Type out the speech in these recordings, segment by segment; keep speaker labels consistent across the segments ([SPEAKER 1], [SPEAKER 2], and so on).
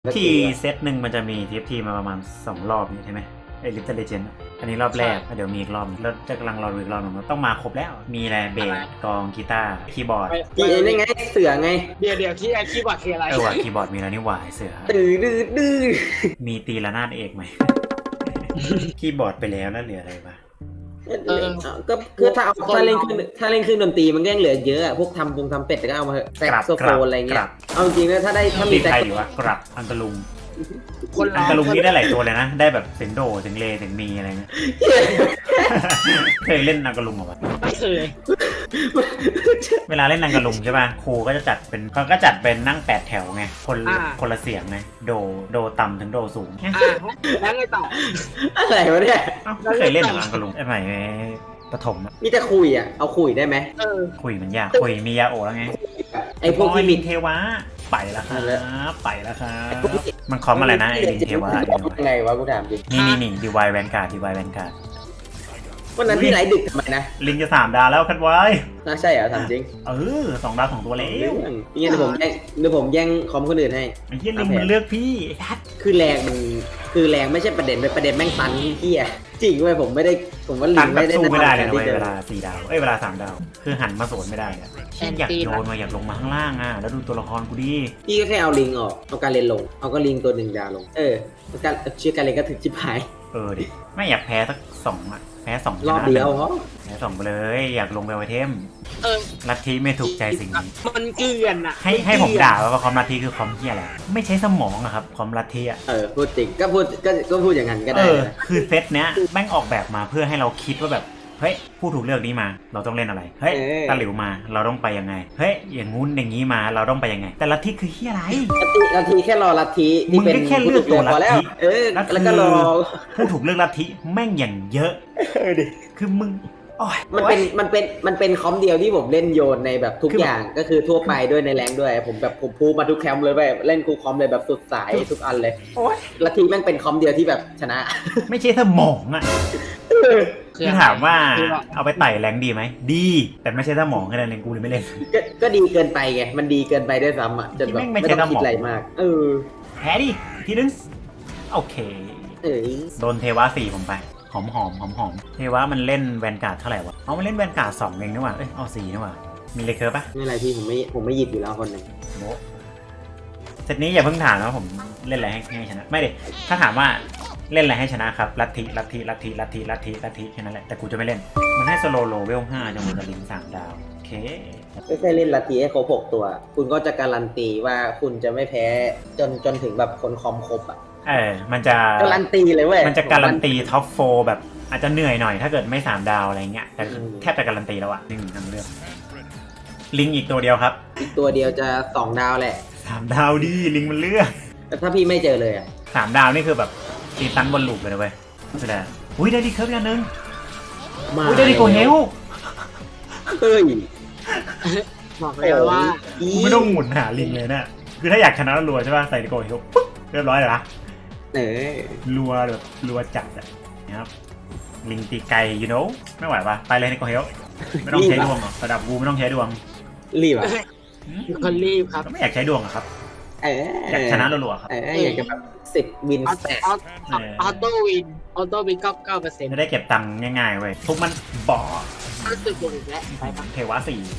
[SPEAKER 1] ที่เซตหนึ่งมันจะมี TFT มาประมาณ2 รอบนี่ใช่ไหมไอ้ Little Legend อันนี้รอบแรกเดี๋ยวมีอีกรอบแล้วจะกำลังรออีกรอบนึงต้องมาครบแล้วมีอะไรเบสกลองกีตาร์คีย์บอร์ด
[SPEAKER 2] ที่ไอ้นี่ไงเสือไง
[SPEAKER 3] เดี๋ยวที่ไอ้คีย์บอร์ดคืออะไร
[SPEAKER 1] ว่ะคีย์บอร์ดมีแล้วนี่หว่าเสือ
[SPEAKER 2] ตื้อดื้อ
[SPEAKER 1] มีตีละนาดเอกไหม คีย์บอร์ดไปแล้วแล้วเหลืออะไรบ้าง
[SPEAKER 2] ก็คือถ้าเล่นเครื่องดนตรีมันก็ยังเหลือเยอะอะพวกทำเป็ดก็เอามาเถอะแซกโซโฟนอะไรเงี้ยเอาจริงนะถ้ามี
[SPEAKER 1] ใครอยู่วะกรับอันตะลุงอันตะลุงนี่ได้หลายตัวเลยนะได้แบบเสียงโดเสียงเลเสียงมีอะไรเงี้ย เคยเล่นอังกะลุงเหรอวะ
[SPEAKER 3] ไม่เคย
[SPEAKER 1] เวลาเล่นอังกะลุงใช่ป่ะครูก็จะจัดเป็นเขาก็จัดเป็นนั่ง8 แถวไงคนละเสียงไงโดต่ำถึงโดสูง
[SPEAKER 3] แล้วไงต่อ
[SPEAKER 2] อะไรวะเนี่ย
[SPEAKER 1] ไม่เคยเล่นหรออังกะลุงไอ้ใหม่ประถม
[SPEAKER 2] มีแต่คุยอ่ะเอาคุยได้ไหม
[SPEAKER 1] คุยมันยากคุยมียาโอแล้วไง
[SPEAKER 2] ไอ้พวกที่
[SPEAKER 1] ลิงเทวะไปแล้วครับไปแล้วครับมันคอมอะไรนะไอ้ลิงเทวะ
[SPEAKER 2] ยังไงวะกูถามจริง
[SPEAKER 1] นี่ดีวายแวนการ์ด
[SPEAKER 2] วันนั้นที่ไหนดึกทำไมนะ
[SPEAKER 1] ลิงจะ3 ดาวแล้วคัดไว้
[SPEAKER 2] น่าใช่เหรอถามจริง
[SPEAKER 1] 2 ดาว2 ตัวแล้ว
[SPEAKER 2] นี่เดี๋ยวผมแย่งคอมคนอื่นให้
[SPEAKER 1] ไอ้เหี้ยลิงมันเลือกพี่ไอ้ทัด
[SPEAKER 2] คือแรงไม่ใช่ประเด็นเป็นประเด็นแม่งตันเหี้ยจริงเว้ยผมว่าลิ
[SPEAKER 1] ตัน
[SPEAKER 2] ง
[SPEAKER 1] แบบ
[SPEAKER 2] ไม่ได้
[SPEAKER 1] สู้ไม่ได้เลยนะ
[SPEAKER 2] ที่
[SPEAKER 1] เว้ยเวลา4 ดาวเวลา3 ดาวคือหันมาสวนไม่ได้อะอยากโยนมาอยากลงมาข้างล่างแล้วดูตัวละครกูดิ
[SPEAKER 2] พี่ก็แค่เอาลิงออกเอาการเล่นลงเอาก็ลิงตัว1 ดาวลงการชื่อการเล่นก็ถึงชิบหาย
[SPEAKER 1] ดิไม่อยากแพ้สัก2แพ้2
[SPEAKER 2] รอบเดียวเพราะ
[SPEAKER 1] แพ้2ไปเลยอยากลงไปไวเทม
[SPEAKER 3] เออ
[SPEAKER 1] ลัทธิไม่ถูกใจสิ่งนี้
[SPEAKER 3] มันเกลื่อนอ่ะ
[SPEAKER 1] ให้ผมด่าว่าคอมลัทธิคือคอมเหี้ยอะไรไม่ใช้สมองอะครับคอมลัทธิอะ
[SPEAKER 2] พูดจริงก็พูดอย่างนั้นก็ได้นะ
[SPEAKER 1] คือเซตเนี้ยแม่งออกแบบมาเพื่อให้เราคิดว่าแบบเฮ้ยผู้ถูกเลือกนี้มาเราต้องเล่นอะไรเฮ้ยตะหลิวมาเราต้องไปยังไงเฮ้ยอย่างงู้นอย่างนี้มาเราต้องไปยังไงแต่ลัทธิคือเหี้ยอะไร
[SPEAKER 2] ลัทธิแค่รอลัทธิที่เป็น
[SPEAKER 1] มึงก็แค่เลือกตัวลัทธิ
[SPEAKER 2] พอแล้วแล้วก็รอ
[SPEAKER 1] ผู้ถูกเลือกลัทธิแม่งอย่างเยอะ
[SPEAKER 2] ดิ
[SPEAKER 1] คือมึง
[SPEAKER 2] มันเป็นคอมเดียวที่ผมเล่นโยนในแบบทุกอย่างก็คือทั่วไปด้วยในแรงด้วยผมพูมาทุกแคมป์เลยไปเล่นคูคอมเลยแบบสุดสายทุกอันเลยลัทธิแม่งเป็นคอมเดียวที่แบบชนะ
[SPEAKER 1] ไม่ใช่สมองอะคือถามว่าเอาไปไต่แรงดีไหมดีแต่ไม่ใช่สมองแค่นั้นเองกูเลยไม่เล่น
[SPEAKER 2] ก็ดีเกินไปไงมันดีเกินไปด้วยซ้ำอ่ะจนแบบไม่ต้องคิดอะไรมาก
[SPEAKER 1] แพ้ดิทีนึงโอเคโดนเทวะ4ผมไปหอมเทวะมันเล่นแวนการ์ดเท่าไหร่วะมันเล่นแวนการ์ด2เองนี่หว่าเอา4นี่หว่ามีเลเคอร์ปะ
[SPEAKER 2] ไม่อะไรพี่ผมไม่หยิบอยู่แล้วคนหนึ่ง
[SPEAKER 1] โบเซตนี้อย่าเพิ่งถามนะผมเล่นอะไรให้ชนะไม่ดิถ้าถามว่าเล่นอะไรให้ชนะครับลัทธิแค่นั้นแหละแต่กูจะไม่เล่นมันให้สโลโลเวล5จังหวะกับลิง3 ดาวโอเค
[SPEAKER 2] ก็แค่เล่นลัทธิให้ครบ6 ตัวคุณก็จะการันตีว่าคุณจะไม่แพ้จนถึงแบบคนคอมครบอ่ะ
[SPEAKER 1] มันจะ
[SPEAKER 2] การันตีเลยเว้ย
[SPEAKER 1] มันจะการันตีท็อป4แบบอาจจะเหนื่อยหน่อยถ้าเกิดไม่3 ดาวอะไรเงี้ยแต่แทบจะการันตีแล้วอะ1 ทั้งเรื่องลิงอีกตัวเดียวครับ
[SPEAKER 2] อีกตัวเดียวจะ2 ดาวแหละ
[SPEAKER 1] 3 ดาวดิลิงมันเลือก
[SPEAKER 2] แต่ถ้าพี่ไม่เจอเลยอ่ะ
[SPEAKER 1] 3 ดาวนี่คือแบบตีตันบนลูปเลยนะเว้ยแสดงอุ้ยได้ดีเคิร์ฟอย่างนึงอุ้ยได้ดีโกเฮล
[SPEAKER 2] เฮ้ย
[SPEAKER 3] บอกเลยว่า
[SPEAKER 1] ไม่ต้องหมุนหาลิงเลยเนี่ยคือถ้าอยากชนะรัวใช่ป่ะใส่ดีโกเฮลปุ๊บเรียบร้อยเลยนะรัวแบบรัวจัดอะนะครับลิงตีไกล you know ไม่ไหวปะไปเลยดีโกเฮลไม่ต้องใช้ดวงหรอกระดับกูไม่ต้องใช้ดวง
[SPEAKER 2] รีบอ่ะ
[SPEAKER 3] คนรีบครับ
[SPEAKER 1] ไม่อยากใช้ดวงอะครับอยากชนะรัวๆครับ
[SPEAKER 2] อยากจะแบบ10 วินแตก
[SPEAKER 3] ออโต้วิน9%
[SPEAKER 1] จะได้เก็บตังค์ง่ายๆเว้ยทุกมันบ่อ
[SPEAKER 3] รู้สึกโดนอีกแล้ว
[SPEAKER 1] เทวะ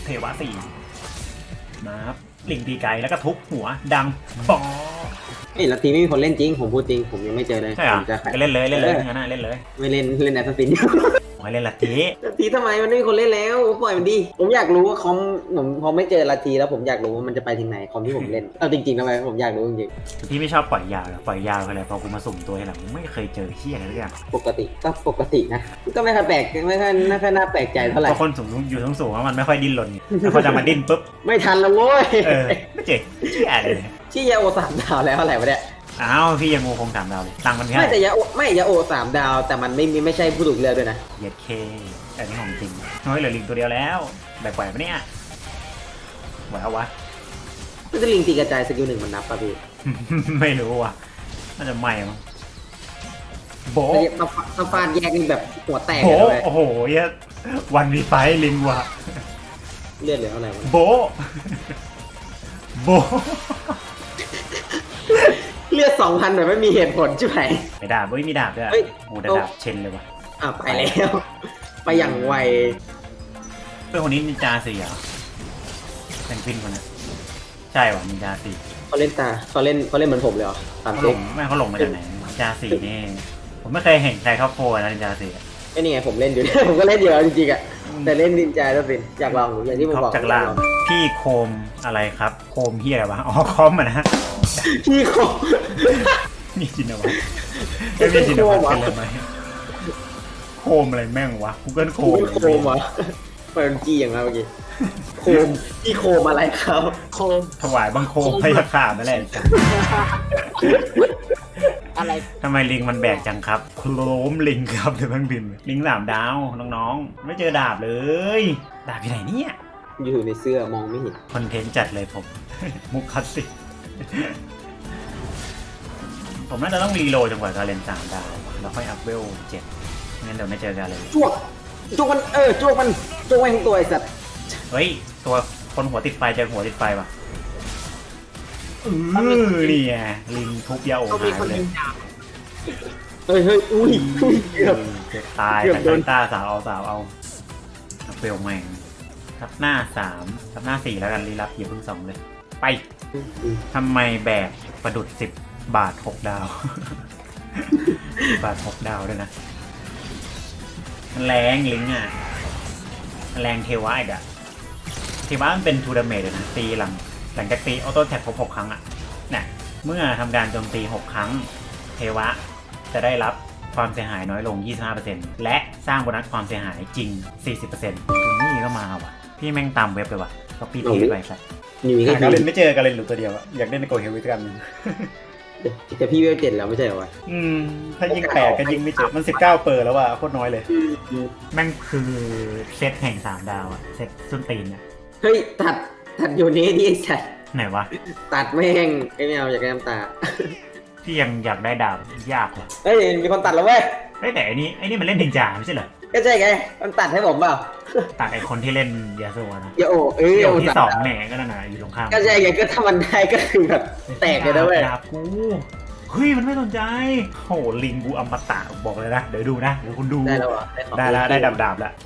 [SPEAKER 1] 4มาครับลิงตีไกลแล้วก็ทุบหัวดังบ่อ
[SPEAKER 2] ลัทธิไม่มีคนเล่นจริงผมพูดจริงผมยังไม่เจอเลย
[SPEAKER 1] ใช่เหรอเล่นเลยงั้นน่ะเล่นเลย
[SPEAKER 2] ไม่เล่นแอสซัสซิน
[SPEAKER 1] เล่นลัทธิ
[SPEAKER 2] ทำไมมันไม่มีคนเล่นแล้วปล่อยมันดิผมอยากรู้ว่าคอมผมพอไม่เจอลัทธิแล้วผมอยากรู้ว่ามันจะไปถึงไหนคอมที่ผมเล่นเอาจริงๆทำไมผมอยากรู้จริง
[SPEAKER 1] ๆพี่ไม่ชอบปล่อยยาวหรอปล่อยยาวอะไรพอกูมาสุ่มตัวให้หลังไม่เคยเจอเหี้ยอะไรเลยอะ
[SPEAKER 2] ปกตินะก็ไม่ค่อยแปลกไม่ค่อยน่าแปลกใจเท่าไหร่
[SPEAKER 1] เพราะคนอยู่สูงว่ามันไม่ค่อยดิ้นรนแล้วพอจะมาดิ้นปุ๊บ
[SPEAKER 2] ไม่ทันแล้วโว้ย
[SPEAKER 1] ไม่เจ๋งชื่ออะไร
[SPEAKER 2] ชื่อยาโอ3 ดาวแล้วอะไรวะเนี่ย
[SPEAKER 1] อ้าวพี่ยังงูคง3 ดาวเลยตังมันแค่
[SPEAKER 2] ไม่แต่ยาโอ3 ดาวแต่มันไม่ใช่ผู้ถูกเลือกด้วยนะ
[SPEAKER 1] เย็ดเคแต่นี่ของจริงเฮ้ยเหลือลิงตัวเดียวแล้วแบบไหวปะเนี่ยไหวเอาวะ
[SPEAKER 2] มันจะลิงตีกระจายสกิล1มันนับป่ะพี่
[SPEAKER 1] ไม่รู้ว่ะน่าจะไม่มั้งโบ
[SPEAKER 2] ถ้าฟาดแยกนี่แบบหัวแตก
[SPEAKER 1] เลยโอ้โหเยอะวันมีไฟลิงว่ะ
[SPEAKER 2] เลือดเหลือเท่าไหร่วะ
[SPEAKER 1] โบ
[SPEAKER 2] เลือด2,000แบบไม่มีเหตุผลใช่ไหม
[SPEAKER 1] ไปดาบเฮ้ยมีดาบด้วย
[SPEAKER 2] เฮ้ย
[SPEAKER 1] โอ้แต่ดาบเชนเลยว่ะ
[SPEAKER 2] ไปแล้ว ไปอย่างไว
[SPEAKER 1] เพื่อนคนนี้นินจา4เหรอแซงฟินคนนั้นใช่ว่ะนินจา4
[SPEAKER 2] เขาเล่นเหมือนผมเลยเหรอตาม
[SPEAKER 1] เขาหล
[SPEAKER 2] เช็ค
[SPEAKER 1] งไม่เขาหลงมาจากไหนนินจา4นี่ผมไม่เคยเห็นใครเข้าโฟนะนินจา4อะ
[SPEAKER 2] ก็นี่ไงผมเล่นอยู่ ผมก็เล่นอยู่จริงๆอ่ะแต่เล่นนินจาแล้วเป็นอยากลองอย่างที่ผม
[SPEAKER 1] ท็อป
[SPEAKER 2] บอก
[SPEAKER 1] จากล่างพี่โคมอะไรครับโคมเฮียอะไรวะอ๋อคอมอ่ะนะ
[SPEAKER 2] พี่โค
[SPEAKER 1] มีจินวัตไม่มีจินวัตเป็นอะไรไหมโคมอะไรแม่งวะ Google โคม
[SPEAKER 2] โคมวะเปิดจีอย่างนั้นเมื่อกี้โคมพี่โคมอะไรครับ
[SPEAKER 3] โคม
[SPEAKER 1] ถวายบังคมพยาข่านั่นแหละ
[SPEAKER 3] อะไร
[SPEAKER 1] ทำไมลิงมันแบกจังครับโคลมลิงครับเดี๋ยวแม่งบินลิง3 ดาวน้องๆไม่เจอดาบเลยดาบอยู่ไหนเนี่ย
[SPEAKER 2] อยู่ในเสื้อมองไม่เห็น
[SPEAKER 1] คอนเทนต์จัดเลยผม มุกคลาสสิกผมน่าจะต้องรีโหลดจนกว่าจะเล่น3 ดาวแล้วค่อยอัพเวล7งั้นเดี๋ยวไม่เจอกันเลย
[SPEAKER 2] จ้วกมันจ้วกมันทั้งตัวไอ้สัตว์
[SPEAKER 1] เฮ้ยตัวคนหัวติดไฟเจอหัวติดไฟว่ะนี่ไงลิงทุบยาโอ
[SPEAKER 3] เขา
[SPEAKER 1] หา
[SPEAKER 3] มี
[SPEAKER 1] ย
[SPEAKER 3] คน
[SPEAKER 1] เลย
[SPEAKER 3] ยิงดาบ
[SPEAKER 2] เฮ้ยอุ้ยเกือบ
[SPEAKER 1] เกือบตาย
[SPEAKER 2] เกือบ
[SPEAKER 1] แต่
[SPEAKER 2] โดน
[SPEAKER 1] ตาสาวเอาเฟลแม่งทับหน้า3ทับหน้า4แล้วกันรีลับอย่าเพิ่ง2เลยไปทำไมแบกประดุด10 บาท 6 ดาว 10 บาท 6 ดาวด้วยนะมันแรงลิงอ่ะมันแรงเทวะอีกอ่ะเทวะมันเป็นทูดาเมจเลยนะตีหลังจากตีออโต้แท็กครบ6 ครั้งอ่ะเนี่ยเมื่อทำการโจมตี6 ครั้งเทวะจะได้รับความเสียหายน้อยลง 25% และสร้างโบนัสความเสียหายจริง 40%นี่ก็มาว่ะพี่แม่งตามเว็บเลยว่ะก็ปีเทไปสัตว์
[SPEAKER 2] นี่มี
[SPEAKER 1] หา
[SPEAKER 2] แค่
[SPEAKER 1] การเล่นไม่เจอกันเลยหลุดตัวเดียวอะอยากเล่นในโกเฮลวิสกัน
[SPEAKER 2] แต่พี่เวล7แล้วไม่ใช่เหรอวะ
[SPEAKER 1] ถ้ายิง8ก็ยิงไม่เจอมัน19เปิดแล้วว่ะโคตรน้อยเลยแม่งคือเซตแห่ง3 ดาวอะเซตส้นตีนอะ
[SPEAKER 2] เฮ้ยตัดอยู่นี้ดิไอ้สัตว์
[SPEAKER 1] ไหนวะ
[SPEAKER 2] ตัดแม่งไม่เอาอยากได้น้ำตา
[SPEAKER 1] พี่ยังอยากได้ดาบยากว่ะ
[SPEAKER 2] เฮ้ยมีคนตัดแล้วเว้ย
[SPEAKER 1] เฮ้ยแต่อันนี้มันเล่นดินจาไม่ใช่เหรอ
[SPEAKER 2] ก็ใช่ไงมันตัดให้ผมเปล่า
[SPEAKER 1] ตัดไอคนที่เล่นยาโซะนะ
[SPEAKER 2] อย่าโอ้
[SPEAKER 1] เดี๋ยว
[SPEAKER 2] โอ้
[SPEAKER 1] ที่
[SPEAKER 2] ตัด
[SPEAKER 1] 2แหน่ก็นั่นน่ะอยู่ตรงข้าม
[SPEAKER 2] ก็ใช่ไงก็ถ้ามันได้ก็คือแบบแตกเลยนะเว้ย
[SPEAKER 1] ดาบกูเฮ้ยมันไม่สนใจโหลิงกูอมตะบอกเลยนะเดี๋ยวดูนะเดี๋ยวคุณดู
[SPEAKER 2] ได้แล้วเหรอ
[SPEAKER 1] ได้แล้วได้ดาบแล้ว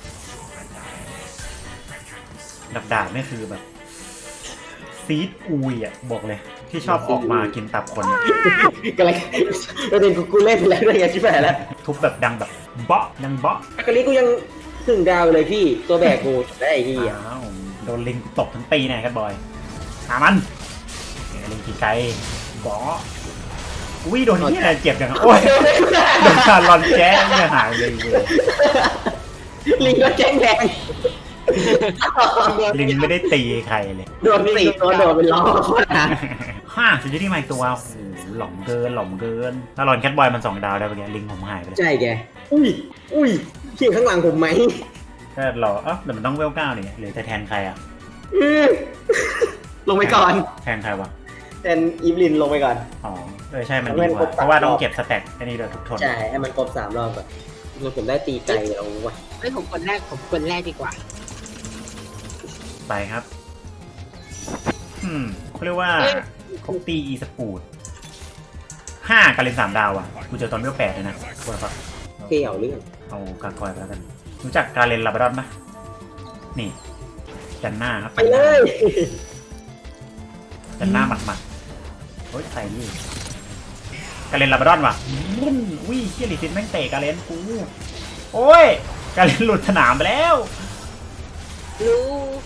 [SPEAKER 1] ดาบนี่คือแบบซีดอุยอ่ะบอกเลย ที่ชอบออกมากินตับคนอะ
[SPEAKER 2] ก็เลยประเด็นกูเล่นไปแล้วด้วยไงชิบหายแล้ว
[SPEAKER 1] ทุบแบบดังแบบเบาะดังเบาะ
[SPEAKER 2] กะลิกูยังถึงดาวเลยพี่ตัวแบกกูได้ไอ้ที่อ่ะ
[SPEAKER 1] อ้าวโดนลิงตบทั้งปีแน่กันบอยหามันลิงกี่ไกลเบาะอุ้ยโดนที่อะไรเจ็บจังอะโอ้ยโดนการลอนแจ๊เนี่ยหายเลยเว้ย
[SPEAKER 2] ลิงก็แจ้งแรง
[SPEAKER 1] ลิงไม่ได้ตีใครเลย
[SPEAKER 2] โดน4 ตัวโดนเป็นล้อโคตรนะ
[SPEAKER 1] ซิตี้ที่ใหม่ตัวโอ้โหหล่อมเกินถ้าลอนแคทบอยมัน2 ดาวได้ปะเนี่ยลิงผมหายไปเลย
[SPEAKER 2] ใช่แกอุ้ยเขียงข้างหลังผมไหม
[SPEAKER 1] ก็รอแต่มันต้องเวล9เนี่ยหรือจะแทนใครอ่ะ
[SPEAKER 2] ลงไปก่อน
[SPEAKER 1] แทนใครวะ
[SPEAKER 2] แทนอีฟลินลงไปก่อน
[SPEAKER 1] อ๋อใช่มันดีกว่าเพราะว่าต้องเก็บสแต็กอันนี้โดยทุกทน
[SPEAKER 2] ใช่ให้มันครบ3 รอบก่อนผมได้ตีไก่เอาว่ะ
[SPEAKER 3] เฮ้ยผมคนแรกดีกว่า
[SPEAKER 1] ไปครับเขาเรียกว่าครบตีอีสปูด5การเล่น3 ดาวอ่ะกูเจอตอนเวล8เลยนะกูแบบ
[SPEAKER 2] เกี่ยวเรื่อง
[SPEAKER 1] เอากากอยไปแล้วกันรู้จักการเล่นลาบราดอนปะนี่จันหน้าครับ
[SPEAKER 2] ไปเลย
[SPEAKER 1] จันหน้าหมัดโอ้ยใส่นี่การเล่นลาบราดอนว่ะอุ้ยเฮียลิซินแม่งเตะการเล่นกูโอ้ยการเล่นหลุดสนามไปแล้ว
[SPEAKER 3] รู้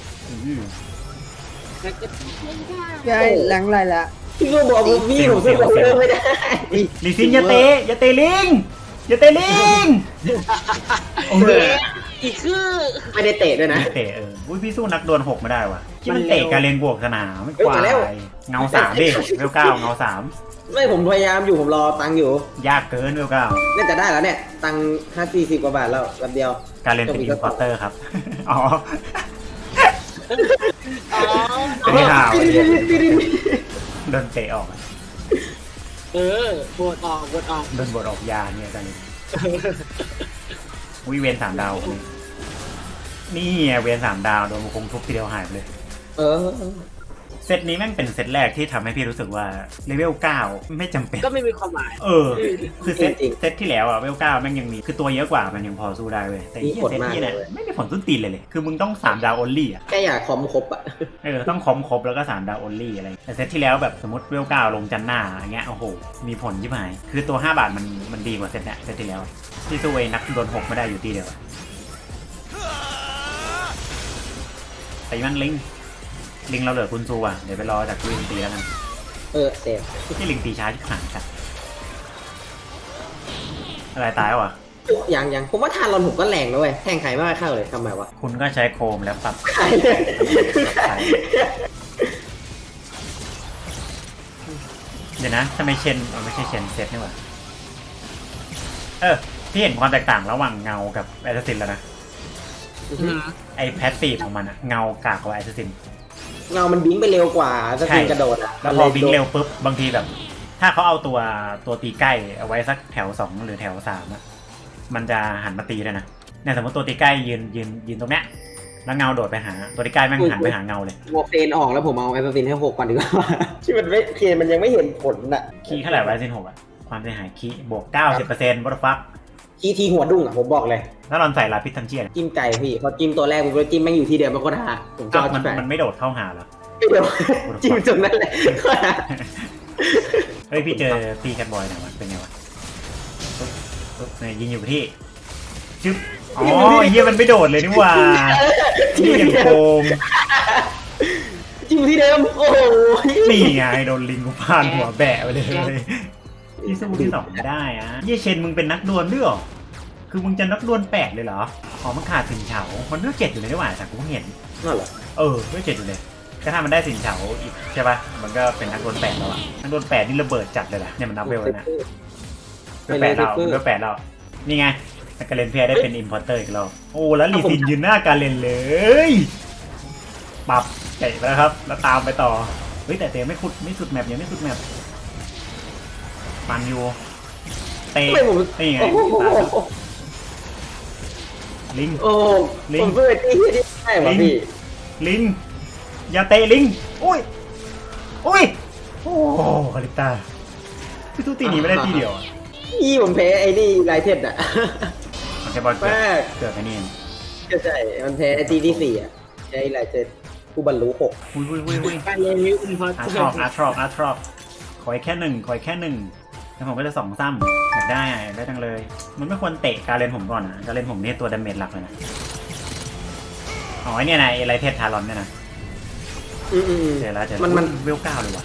[SPEAKER 3] แล้วก็ไม่ได้
[SPEAKER 4] ใช่หลังไรละ
[SPEAKER 2] พี่ก็บอกว่าพี่ผมซื้อของเริ่มไม่ได้
[SPEAKER 1] ลิซินอย่าเตะลิงอย่าเตะลิง
[SPEAKER 3] อีกคือ
[SPEAKER 2] ไม่ได้เตะด้วยนะ
[SPEAKER 1] เตะอุ้ยพี่สู้นักดวล6ไม่ได้ว่ะที่มันเตะการเล่นบวกสนามไม่กวา
[SPEAKER 2] เอ้ยมาแล้ว
[SPEAKER 1] ยเงา3ดิเวล9เงา3
[SPEAKER 2] ไม่ผมพยายามอยู่ผมรอตังค์อยู่
[SPEAKER 1] ยากเกินเวล9
[SPEAKER 2] น่าจะได้แล้วเนี่ยตังค์50 กว่าบาทแล้วลำเดียว
[SPEAKER 1] การเล่นเป็นอินพอร์เตอร์ครับอ๋อ
[SPEAKER 3] อ๋อ
[SPEAKER 1] ไม่ห่าวโดนเตะออก
[SPEAKER 3] โหวตออก
[SPEAKER 1] โดนบทออกยาเนี่ยกันวิเวน3 ดาวนี่ไงเวน3 ดาวโดนมันคงทุบทีเดียวหายไปเลย
[SPEAKER 2] เออ
[SPEAKER 1] เซตนี้แม่งเป็นเซตแรกที่ทำให้พี่รู้สึกว่าเลเวล9ไม่จำเป็น
[SPEAKER 3] ก็ไม่มีความหมาย
[SPEAKER 1] คือเซตที่แล้วอะเลเวล9แม่งยังมีคือตัวเยอะกว่ามันยังพอสู้ได้เว้ยแต่ที่เซตนี้เนี่ยไม่มีผลต้นตีนเลยคือมึงต้อง3ดาว only อะ
[SPEAKER 2] แค่อยากคอมครบอ่ะ
[SPEAKER 1] ต้องคอมครบแล้วก็3ดาว only อะไรแต่เซตที่แล้วแบบสมมติเลเวล9ลงจันหน้าอย่างเงี้ยโอ้โหมีผลยิ่งหายคือตัว5 บาทมันดีกว่าเซตเนี่ยเซตที่แล้วที่สู้ไอ้นักโดน6ไม่ได้อยู่ที่เดียวแต่มันลิงเราเหลือคุณซูอ่ะเดี๋ยวไปรอจากลิงตีแล้วกัน
[SPEAKER 2] เซฟ
[SPEAKER 1] ที่ลิงตีช้าที่ผ่านครับอะไรตายวะ
[SPEAKER 2] ยังผมว่าทารอนผมก็แรงนะเว้ยแทงใครไม่ค่อยเข้าเลยทำไมวะ
[SPEAKER 1] คุณก็ใช้โคมแล้วปรับ
[SPEAKER 2] ใครเลย
[SPEAKER 1] เดี๋ยวนะทำไมเชนไม่ใช่เชนเซตนี่หว่าพี่เห็นความแตกต่างระหว่างเงากับแอสซินแล้วนะไอแพสซีฟของมันอะเงากากกว่าแอสซิน
[SPEAKER 2] เงามันบิงไปเร็วกว่าสกินกระโดดอ่ะ
[SPEAKER 1] แล้วพอบิงเร็วปุ๊บบางทีแบบ ถ้าเขาเอาตัวตีใกล้เอาไว้สักแถว2หรือแถว3อะมันจะหันมาตีเลยนะเนี่ยสมมติตัวตีใกล้ยืนตรงเนี้ยแล้วเงาโดดไปหาตัวตีใกล้แม่งหันไปหาเงาเลย
[SPEAKER 2] โมเฟนออกแล้วผมเอาแอสซินให้6ก่อนดีกว่าที่มันไม่เคนมันยังไม่เห็นผลน่ะ
[SPEAKER 1] คีเท่าไหร่แอสซิน6อะความเสียหายคีบวก 90% what the fuck
[SPEAKER 2] คีทีหัวดุ้งอ่ะผมบอกเลย
[SPEAKER 1] ถ้าเราใส่ลาพิษทันเชียน
[SPEAKER 2] จิ้มไก่พี่พอจิ้มตัวแรกผมก็จิ้มแม่งอยู่ที่เดิมมันก็หาผมชอบ
[SPEAKER 1] มันไม่โดดเข้าหาหรอ
[SPEAKER 2] เดี๋ยวจิ้มตรงนั้นแหละ
[SPEAKER 1] เฮ้ยพี่เจอตีแคทบอยหน่อยวะเป็นไงวะปุ๊บยิงอยู่ที่ชึบอ๋อเฮียมันไม่โดดเลยนี่หว่าที่ยังโกง
[SPEAKER 2] จิ้มที่เดิมโอ้โห
[SPEAKER 1] นี่ไงโดนลิงกูพานหัวแบะไปเลยที่สู้ที่2ไม่ได้อะเฮียเชนมึงเป็นนักดวลด้วยหรอคือมึงจะนักดวล8เลยเหรออ๋อมันขาดสินเฉามันเลือก7อยู่เลยนี่หว่าแต่กูเห็น
[SPEAKER 2] นั่นเหรอ
[SPEAKER 1] เลือก7อยู่เลยก็ถ้ามันได้สินเฉาอีกใช่ป่ะมันก็เป็นนักดวล8แล้วอะนักดวล8นี่ระเบิดจัดเลยแหละเนี่ยมันนับเวลนะเลือก8แล้วนี่ไงการเลนเพียได้เป็นอิมพอร์เตอร์อีกแล้วโอ้แล้วลีซินยืนหน้าการเลนเลยปรับเตะไปแล้วครับแล้วตามไปต่อเฮ้ยแต่เตะไม่สุดแมปยังไม่สุดแมปปันอยู่เตะนี่ไงลิง
[SPEAKER 2] ลิงเพื่อที่ได้ป่ะพี่
[SPEAKER 1] ลิงอย่าเตะลิงอุ้ยโอ้คาริต้าพี่ตู้ตีหนีไม่ได้ทีเดียว
[SPEAKER 2] ผมแพ้ไอ้นี่ไลเทนอ่ะ
[SPEAKER 1] มันจะบอลเกิดไอ้นี่
[SPEAKER 2] ใช่มันแพ้ไอ้ที่4อ่ะไอ้ไลเทนผู้บรรลุ6
[SPEAKER 1] อุ้ย
[SPEAKER 3] การเรียนรู้อินพอร์ต
[SPEAKER 1] อาร์ทรอปขอแค่หนึ่งแล้วผมก็จะ2 ซ้ำอยากได้จังเลยมันไม่ควรเตะการเล่นผมก่อนนะการเล่นผมนี่ตัวดาเมจหลักเลยนะอ๋อเนี่ยนะไอไรเทสทารอนเนี่ยนะเจอแล้วมันเวล9เลยว่ะ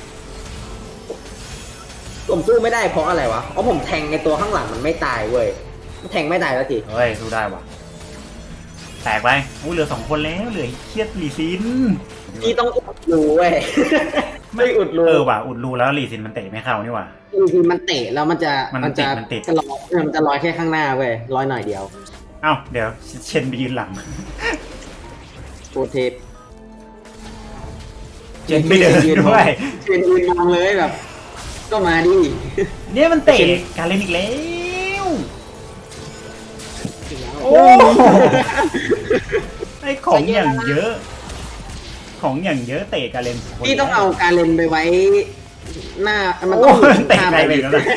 [SPEAKER 2] ผมสู้ไม่ได้เพราะอะไรวะเพราะผมแทงในตัวข้างหลังมันไม่ตายเว้ยแทงไม่ตายแล้วที
[SPEAKER 1] เฮ้ยสู้ได้ว่ะแตกไปเหลือ2 คนแล้วเหลือเครียดลีซิน
[SPEAKER 2] ที่ต้องอุดรูเว้ยไม่อุดรู
[SPEAKER 1] ว่ะอุดรูแล้วลีซินมันเตะไม่เข้านี่ว่ะ
[SPEAKER 2] คือมันเตะแล้วมันจะลอยแค่ข้างหน้าเว้ยลอยหน่อยเดียว
[SPEAKER 1] เดี๋ยวเชนไปยืนหลัง
[SPEAKER 2] โปรเทป
[SPEAKER 1] เชนไม่เดินด้วย
[SPEAKER 2] เชนยืนมองเลยแบบก็มาดิ
[SPEAKER 1] เนี่ยมันเตะการเล่นอีกแล้วโอ้ไอของอย่างเยอะเตะการเล่น
[SPEAKER 2] พี่ต้องเอาการเล่นไปไว้หน้ามันต้อง
[SPEAKER 1] เตะไกลไปแล้วนะ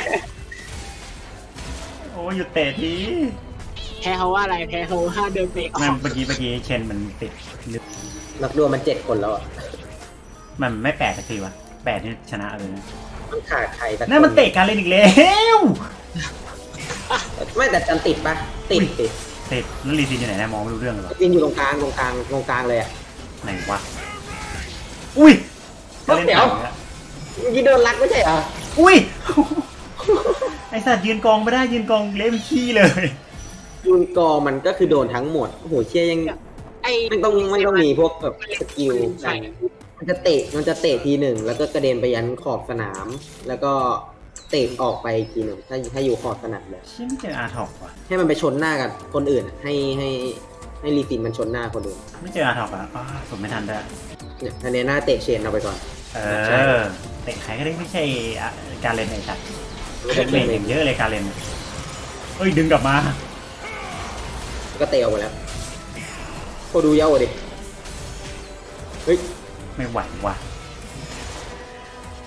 [SPEAKER 1] โอ้หยุดเตะที
[SPEAKER 3] แพ้เขาว่าอะไรแพ้เขาว่าเดินเตะออก
[SPEAKER 1] เมื่อกี้เชนมันติด
[SPEAKER 2] นักดวลมัน7 คนแล้วอ่ะ
[SPEAKER 1] มันไม่8สักทีวะ8นี่ชนะเลยนะ
[SPEAKER 2] มันขาดใคร
[SPEAKER 1] นั่นมันเตะการเล่นอีกแล้ว
[SPEAKER 2] ไม่แต่จันติดปะติด
[SPEAKER 1] แล้วลีซินอยู่ไหนนะมองไม่รู้เรื่องเลย
[SPEAKER 2] ลีซินอยู่ตรงกลางเลยอ่ะ
[SPEAKER 1] ไหนวะอุ้ย
[SPEAKER 2] เดี๋ยวยีโดนรักไม่ใช่เหรอ
[SPEAKER 1] อุ้ยไอสัตว์ยืนกองไม่ได้ยืนกองเล่มขี้เลย
[SPEAKER 2] ยืนกองมันก็คือโดนทั้งหมดโอ้โหเชี่ยยังมันต้องมีพวกแบบสกิลมันจะเตะที1แล้วก็กระเด็นไปยันขอบสนามแล้วก็เตะออกไปที1ถ้าอยู่ขอบสนามเลย
[SPEAKER 1] ชิ้นเจออาร์ทอกว่ะ
[SPEAKER 2] ให้มันไปชนหน้ากับคนอื่นให้ลีซินมันชนหน้าคนอื่น
[SPEAKER 1] ไม่เจออาร์ทอกอ่ะผมไม่ทันด้วย
[SPEAKER 2] เนี่ยทันเนหน้าเตะเชนเอาไปก่อน
[SPEAKER 1] เตะใครก็ได้ไม่ใช่การเล่นไอ้สัตว์เล่นอย่างเยอะเลยการเล่นดึงกลับมา
[SPEAKER 2] ก็เตะออกมาแล้วโคดูเย้าดิเฮ้ย
[SPEAKER 1] ไม่ไหวว่ะ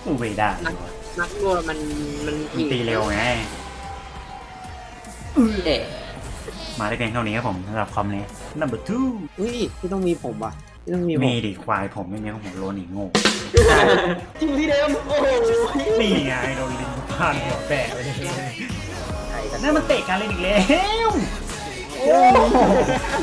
[SPEAKER 1] อู้ไม่ได้
[SPEAKER 3] นักรัวมัน
[SPEAKER 1] มันตีเร็วไง
[SPEAKER 2] เอ๊ะ
[SPEAKER 1] มาได้เพียงเท่านี้ครับผมสำหรับคอมนี้ number 2
[SPEAKER 3] อุ้ยไม่ต้องมีผมว่ะไม่ต้องมีผม
[SPEAKER 1] มีดิควายผมไม่มีของผมโลนอีกโง่
[SPEAKER 2] จริงพี่เดมโอ้โห
[SPEAKER 1] นี่ไงโดนลิงพานหัวแตกเลย
[SPEAKER 2] ใครกัน
[SPEAKER 1] นั่นมันเตะการเล่นอีกแล้ว